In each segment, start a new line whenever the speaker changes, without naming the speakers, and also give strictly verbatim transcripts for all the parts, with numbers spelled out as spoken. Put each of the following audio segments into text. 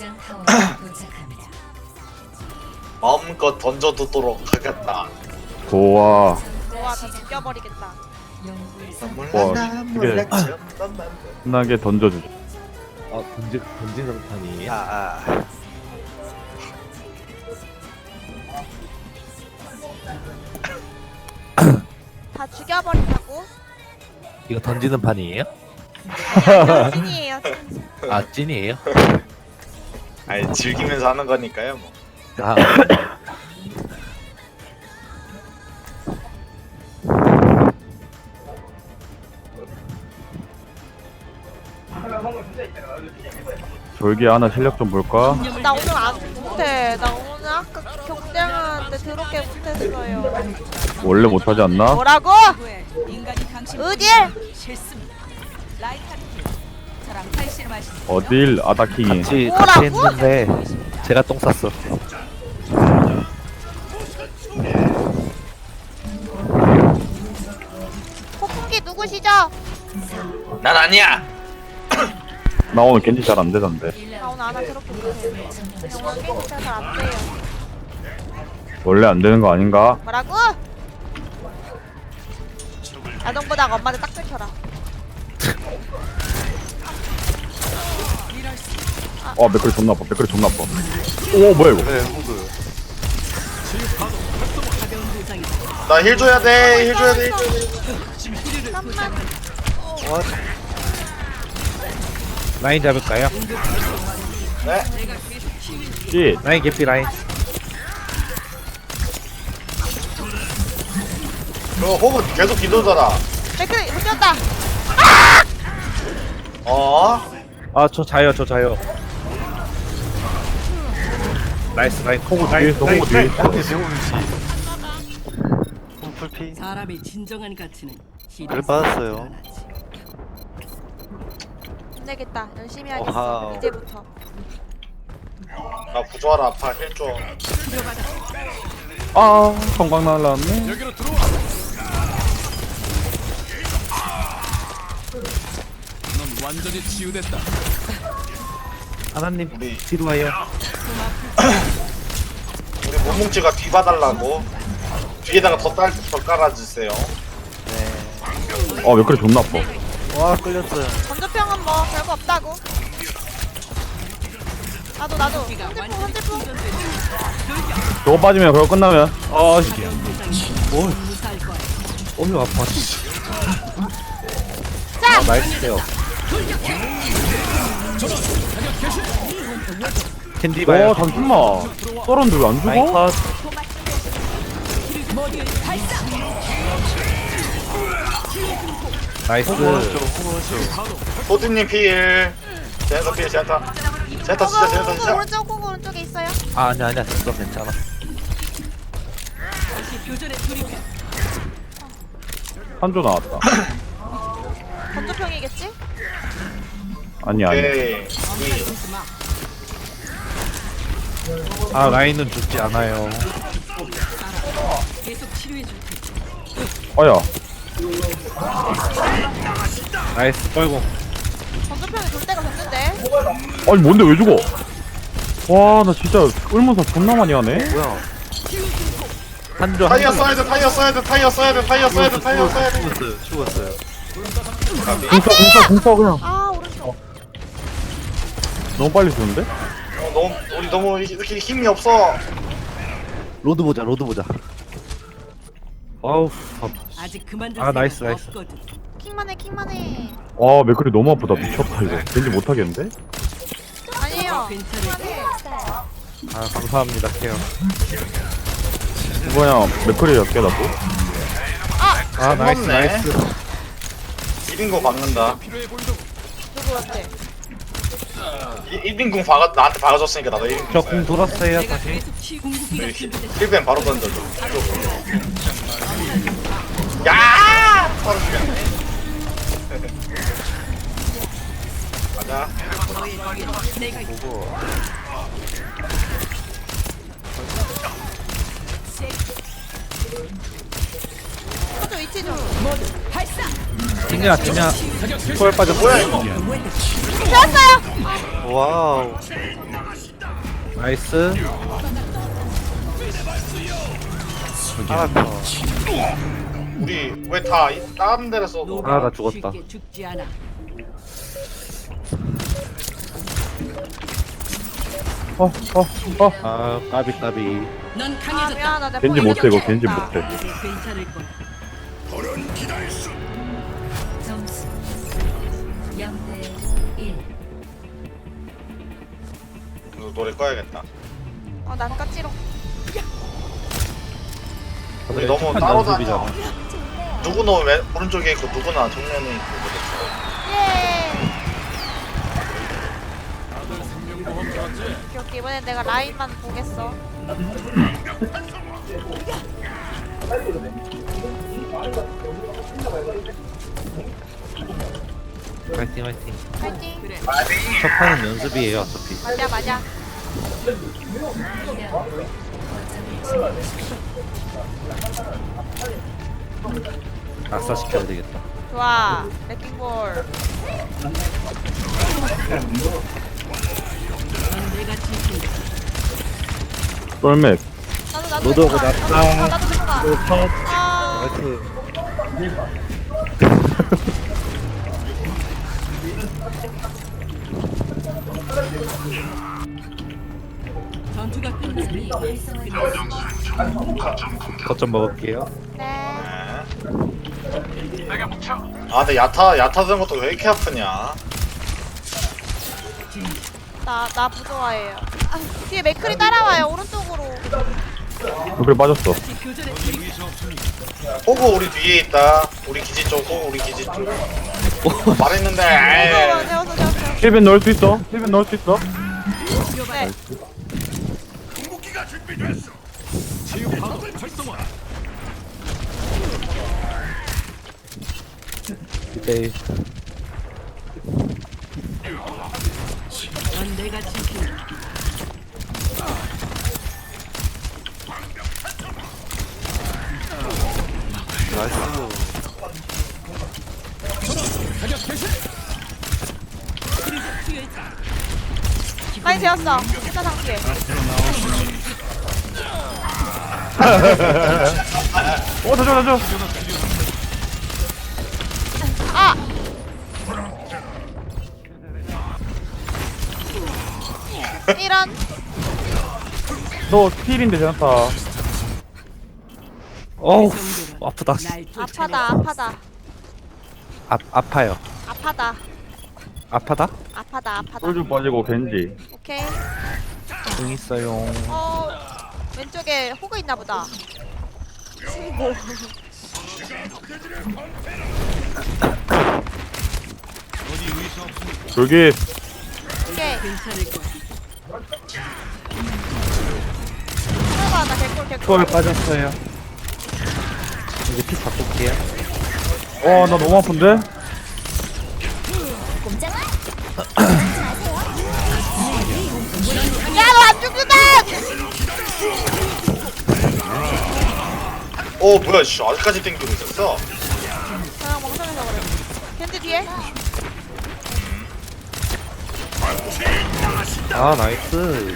지정 타워에 도착합니다.
마음껏 던져두도록 하겠다.
좋아.
좋아, 다 죽여버리겠다.
영구의
와,
몰라
이게-
몰라 지었던 맘.
신나게 던져주자.
아 던지 던지는 판이에요?
아,
다 죽여버린다고?
이거 던지는 판이에요?
찐이에요, 찐.
아 찐이에요?
아니 즐기면서 하는 거니까요. 뭐.
아
졸기 하나 실력 좀 볼까?
나 오늘 안 못해. 나 오늘 아까 경쟁하는데 더럽게 못했어요.
원래 못하지 않나?
뭐라고?
인간이 당신
어딜?
싫습니다. 라이카르키 저랑 팔씨름 하시는
어딜 아다킹이.
같이
뭐라고?
같이 했는데 제가 똥 쌌어.
폭풍기 누구시죠?
난 아니야.
나 오늘 겐지 잘 안 되던데.
나 오늘 아나 더럽게 못해. 오늘 게임 잘안 돼요.
원래 안 되는 거 아닌가?
뭐라고? 아동보다 엄마한테 딱 들켜라.
어 맥클이 존나 아파. 맥클이 존나 아파. 오 뭐야 이거?
나 힐 줘야 돼. 힐 줘야 돼. 힐 줘야 돼.
잠깐만.
라인 잡을까요?
네.
씨.
라인 개피 라인.
그거 호흡 계속 기도더라.
댓글 못 쳤다.
어?
아 저 자요 저 자요. 나이스 라인 코고 라인
뒤에서
라인
호구
라인.
뒤에.
사람의 진정한 가치는
그래 받았어요.
힘내겠다. 열심히 하겠어.
와우.
이제부터.
나 부조하라 아파. 힐 줘.
아 성광 날라왔네.
하나님
우리
뒤로 와요.
우리 모뭉치가 뒤 봐달라고. 뒤에다가 더 딸, 더 깔아주세요.
어 맥클이 존나 아파.
와 끌렸어요.
건조평은 뭐 별거 없다고. 나도 나도. 현대풍 현대풍.
저거 빠지면 그거 끝나면. 아 씨.
어휴 아파.
자.
아 나이스요. 캔디 봐요.
와 잠깐만. 썰었는데 왜 안
라인
죽어?
컷. 나이스.
소진님 필. 제네타 필, 제네타. 제네타 진짜, 제네타
호구
진짜.
오른쪽 호구 오른쪽에 있어요.
아 아니야 아니야 됐어 괜찮아.
교전에 돌입해.
한조 나왔다.
건조평이겠지?
아니 아니.
오케이.
아 라인은 죽지 않아요.
계속 치료해 줄 테니.
어야.
나이스 떨고.
건조평이 돌 때가 됐는데.
아니 뭔데 왜 죽어? 와 나 진짜 끌면서 존나 많이 하네.
뭐야?
한조
타이어
한조.
써야 돼, 타이어 써야 돼, 타이어 써야 돼, 타이어 써야 돼, 타이어 써야 돼.
죽었어요. 죽었어요.
공사 공사 공사 그냥.
아 오른쪽.
너무 빨리 주는데?
어, 너무, 우리 너무 이렇게 힘이 없어.
로드 보자 로드 보자. 아우 아파.
아직 그만둘
아,
생각
나이스, 나이스.
없거든.
킹만해 킹만해.
와 맥클이 너무 아프다. 미쳤다 이거. 왠지 못하겠는데?
아니에요.
괜찮을
아 감사합니다 케어.
이거 그냥 맥클이 몇 개다 또?
아 나이스
고맙네.
나이스.
일 인공 박는다.
누구한테?
일 인공 박아, 나한테 박아줬으니까 나도 일 인공.
저 공 돌았어요
내가
다시.
계속 치 공격기가 준비됐어.
힐뱀 바로 던져줘. 야! 바로 죽였네. 가자.
내가
건조 위치 좀.
발사.
진야 진야. 초월 빠졌어.
뭐야 이거?
되었어요.
와우.
나이스.
하나 더.
우리 왜 다 다른 데서 너
아, 나 죽었다.
쉽게 죽지 않아.
어, 어, 어.
아, 까비, 까비.
넌
아
강해졌다.
미안하다.
겐지 못해, 이거 겐지 못해.
이제 괜찮을 거야.
점수 영 대 일.
노래 꺼야겠다.
어난 까지롱.
우리 너무
착한
따로
연습이잖아.
다녀. 누구는 왼 오른쪽에 있고 누구는 정면에 있고 그렇죠.
예. 오케이 오케이 이번엔 내가 라인만 보겠어.
화이팅, 화이팅.
파이팅.
그래.
첫 판은 연습이에요, 어차피.
맞아 맞아.
낙사 시켜야 되겠다.
좋아. 레킹볼.
넌 내가 지킨다.
썰맥.
나도 나도.
로드오브
들어가.
났다.
나도 들어가.
또 컷.
아.
나이스.
전투가 끝나면
거점 먹을게요.
네.
아 근데 야타 야타 든 것도 왜 이렇게 아프냐?
나, 나 부조화예요. 아, 뒤에 맥클이 따라와요, 오른쪽으로.
그래 빠졌어.
다시 교전에 돌입.
호구 우리 뒤에 있다. 우리 기지 쪽, 호구 우리 기지 쪽. 말했는데.
무서워,
에이.
재웠어, 재웠어.
힐벤 넣을 수 있어? 힐벤 넣을 수 있어?
네.
이때
넌 내가 지킨다.
나이스.
많이 재웠어. 일단 상피해.
어, 져줘, 져줘.
아! 이런.
너 필인데 괜찮다.
어우, 아프다.
날 쫓아.
아파다, 아파다.
아, 아파요.
아파다.
아파다?
아파다, 아파다.
쫄좀 빠지고 겐지.
오케이.
응 있어요.
어, 왼쪽에 호그 있나 보다. 친구.
저기
오케이.
괜찮을 거야.
들어가, 나 개꿀, 개꿀.
초월 빠졌어요. 이제 피 바꿀게요.
어, 나 너무 아픈데?
야, 너 안 죽는다!
어 뭐야 씨 아직까지 땡기고 있었어.
그냥 멍청해서 그래. 겐지 뒤에?
아, 나이스.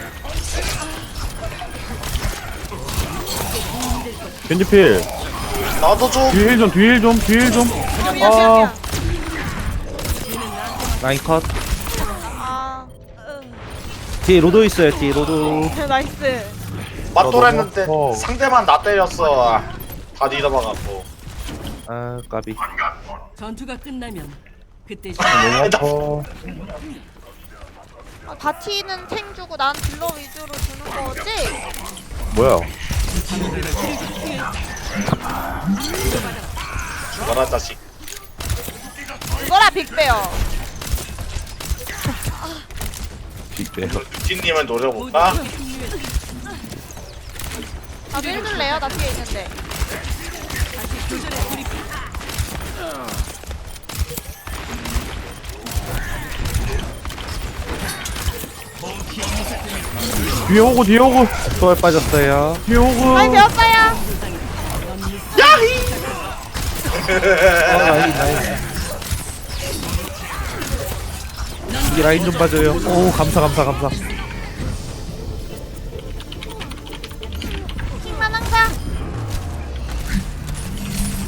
겐지 필.
나도 좀.
뒤에 힐 좀, 뒤에 힐 좀, 뒤에 힐 좀.
미안, 미안, 미안,
아,
미안.
라인 컷.
아,
뒤에 로도 있어요, 뒤에 로도.
응. 나이스.
맞돌았는데
너무 아파.
상대만 나 때렸어. 다 뒤덮어갖고.
아, 까비.
전투가 끝나면 그때
너무 아파.
아, 바티는 탱 주고 난 딜러 위주로 주는 거지?
뭐야?
죽어라 자식.
그거라 빅베어.
빅베어.
뷰티님을 노려볼까?
나도 해줄래요? 나 뒤에 있는데.
다시 교전에 돌입.
뒤에 오고, 뒤에 오고,
초월 빠졌어요.
뒤에 오고.
많이 배웠어요.
어, 라인, 라인. 이 라인 좀 봐줘요. 오, 감사, 감사, 감사.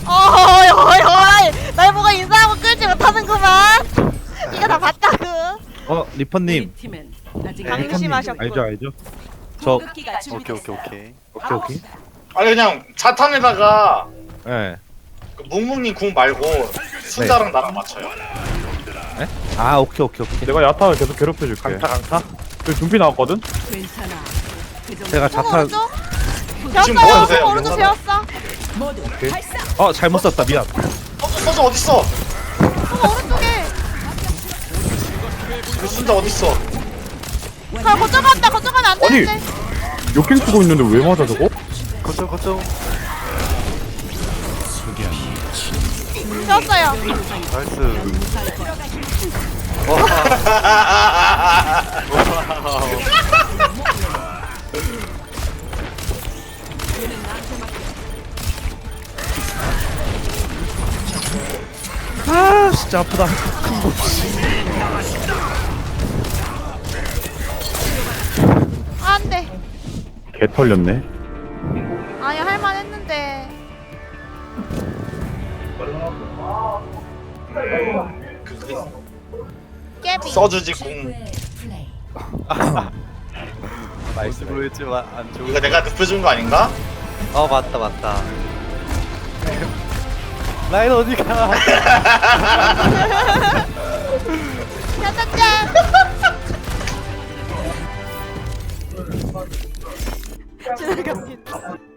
어이 어이 어이 날 보고 인사하고 끌지 못하는구만. 이거 다 봤다고.
어
우리
리퍼님.
팀엔 아직
네. 방심하셨군.
알죠 알죠. 저 오케이
공급기가
오케이
준비됐어.
오케이 오케이
오케이.
아니 그냥 자탄에다가
예.
그 묵묵님 궁 말고 순자랑 나랑 맞춰요.
아 오케이 오케이 오케이.
내가 야타를 계속 괴롭혀줄게.
강타 강타.
그 준비 나왔거든?
괜찮아. 그 정도
제가
송
자탄.
오른쪽?
지금
배웠어요.
먹어주세요.
송 오른쪽 배웠어.
모두 발사.
어 잘못 썼다 미안.
서준 서준 어딨어?
송 오른쪽에.
그 순자 어딨어?
가 거쳐간다. 거쳐가면 안
아니.
되는데.
역행 쓰고 있는데 왜 맞아 저거?
거점 거점
배웠어요.
나이스
무사할 거야.
아 진짜 아프다.
안 돼.
개 털렸네.
아니 할만했는데. 깨비.
써주지 궁.
최고의 플레이.
나이스 보였지만 안 좋은
이거 내가 눕혀준 거 아닌가?
어 맞다 맞다 라인 어디가
짜자잔. 지나갑니다.